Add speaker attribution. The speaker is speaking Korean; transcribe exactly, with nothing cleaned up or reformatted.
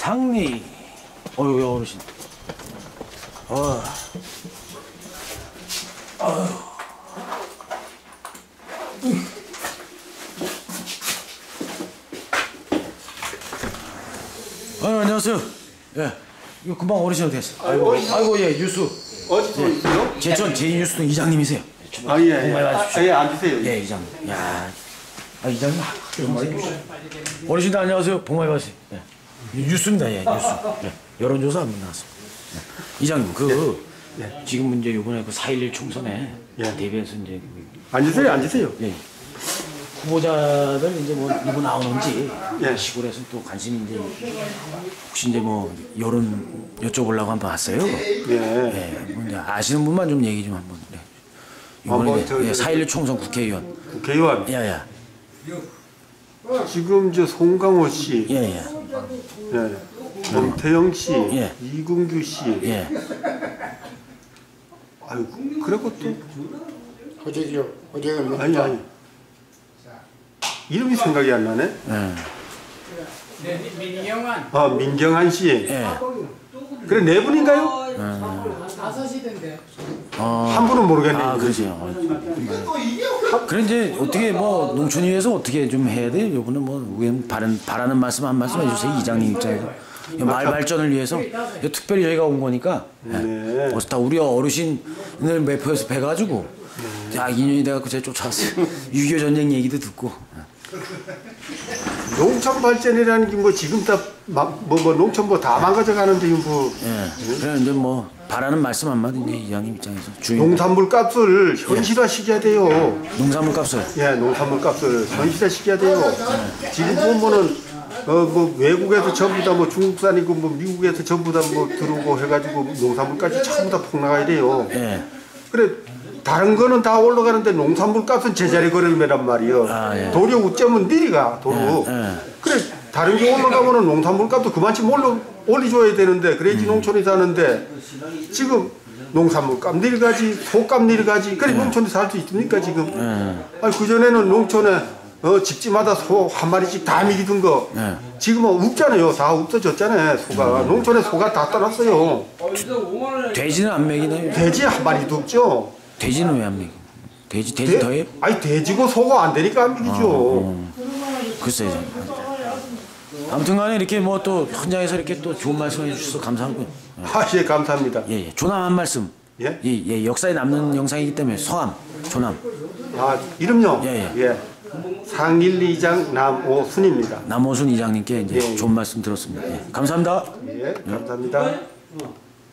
Speaker 1: 상리. 어휴, 어르신. 어. 어휴. 아, 안녕하세요. 예. 이거 금방 어르신 어디 갔어요? 아이고, 아이고, 예, 뉴스.
Speaker 2: 어디서
Speaker 1: 예.
Speaker 2: 있어요?
Speaker 1: 제천 제이뉴스 이장님이세요.
Speaker 2: 아, 예, 예.
Speaker 1: 정말
Speaker 2: 아,
Speaker 1: 맞으십시오.
Speaker 2: 예, 앉으세요.
Speaker 1: 예, 이장님. 야, 아, 이장님. 어르신들 안녕하세요. 복 많이 받으세요. 예. 뉴스입니다. 예, 뉴스. 예. 여론조사 한번 나왔습니다. 예. 이장님, 그 예. 지금 이제 이번에 그 사 일일 총선에
Speaker 2: 예.
Speaker 1: 대비해서 이제
Speaker 2: 앉으세요, 앉으세요.
Speaker 1: 예. 후보자들 이제 뭐 누구 나오는지
Speaker 2: 예.
Speaker 1: 시골에서 또 관심이 이제 혹시 이제 뭐 여론 여쭤보려고 한번 왔어요.
Speaker 2: 예.
Speaker 1: 예. 뭐 이제 아시는 분만 좀 얘기 좀 한번. 네. 이번에
Speaker 2: 한번
Speaker 1: 이제
Speaker 2: 저-
Speaker 1: 예, 사 일일 총선 국회의원.
Speaker 2: 국회의원.
Speaker 1: 야야.
Speaker 2: 지금 저 송강호 씨,
Speaker 1: 예예.
Speaker 2: 예. 정태영 씨,
Speaker 1: 예.
Speaker 2: 이근규 씨.
Speaker 1: 예.
Speaker 2: 아유, 그리고 또
Speaker 3: 허재기요. 허재기는
Speaker 2: 아니 아니. 이름이 생각이 안 나네.
Speaker 1: 예.
Speaker 3: 민경환
Speaker 2: 아, 민경한 씨.
Speaker 1: 예.
Speaker 2: 그래 네 분인가요?
Speaker 3: 다섯이던데요.
Speaker 1: 어.
Speaker 2: 한 분은 모르겠네.
Speaker 1: 아, 그러세요. 어, 그래 이제 어떻게 뭐 농촌 위해서 어떻게 좀 해야 돼요? 요거는 뭐 의원 바른 바라는 말씀 한 말씀 해주세요. 이장님 입장에서 마을 발전을 위해서 특별히 저희가 온 거니까
Speaker 2: 네.
Speaker 1: 어서 다 우리 어르신을 매표해서 뵈가지고 야 인연이 돼갖고 제가 쫓아왔어요. 육이오 전쟁 얘기도 듣고.
Speaker 2: 농촌 발전이라는 게 뭐 지금 다뭐 뭐 농촌 뭐 다 망가져가는데 뭐
Speaker 1: 예. 그래 이제 뭐 바라는 말씀 한마디 이제 이장님 입장에서 주인
Speaker 2: 농산물 값을 현실화 시켜야 돼요.
Speaker 1: 농산물 값을.
Speaker 2: 예, 농산물 값을 현실화 시켜야 돼요. 지금 보면은 어 뭐 외국에서 전부 다 뭐 중국산이고 뭐 미국에서 전부 다 뭐 들어오고 해가지고 농산물까지 전부 다 폭락해야 돼요.
Speaker 1: 예.
Speaker 2: 그래 다른 거는 다 올라가는데 농산물 값은 제자리 걸음이란 말이요.
Speaker 1: 아, 예.
Speaker 2: 도리어 우쩌면 내리가 도로.
Speaker 1: 예, 예.
Speaker 2: 그래 다른 게 올라가면은 농산물 값도 그만큼 올려 올려줘야 되는데 그래야지
Speaker 1: 음.
Speaker 2: 농촌이 사는데 지금 농산물 값 내려가지 소값 내려가지 그래
Speaker 1: 예.
Speaker 2: 농촌이 살 수 있습니까 지금?
Speaker 1: 예.
Speaker 2: 아니 그 전에는 농촌에 어 집집마다 소 한 마리씩 다 먹이던 거
Speaker 1: 예.
Speaker 2: 지금은 없잖아요. 다 없어졌잖아요. 소가 농촌에 소가 다 떠났어요.
Speaker 1: 돼지는 안 먹이나요?
Speaker 2: 돼지 한 마리도 없죠.
Speaker 1: 돼지는 왜 안 먹이? 돼지 돼지
Speaker 2: 돼-
Speaker 1: 더해요?
Speaker 2: 아니 돼지고 소가 안 되니까 안 먹이죠.
Speaker 1: 글쎄요. 아무튼간에 이렇게 뭐 또 현장에서 이렇게 또 좋은 말씀해 주셔서 감사하고요.
Speaker 2: 아, 예, 감사합니다.
Speaker 1: 예, 예. 조남 한 말씀.
Speaker 2: 예?
Speaker 1: 예, 예. 역사에 남는 영상이기 때문에 서함, 조남,
Speaker 2: 아, 이름요?
Speaker 1: 예,
Speaker 2: 예. 상일리장 남오순입니다.
Speaker 1: 남호순 이장님께 이제
Speaker 2: 예, 예.
Speaker 1: 좋은 말씀 들었습니다. 예. 감사합니다.
Speaker 2: 예, 감사합니다.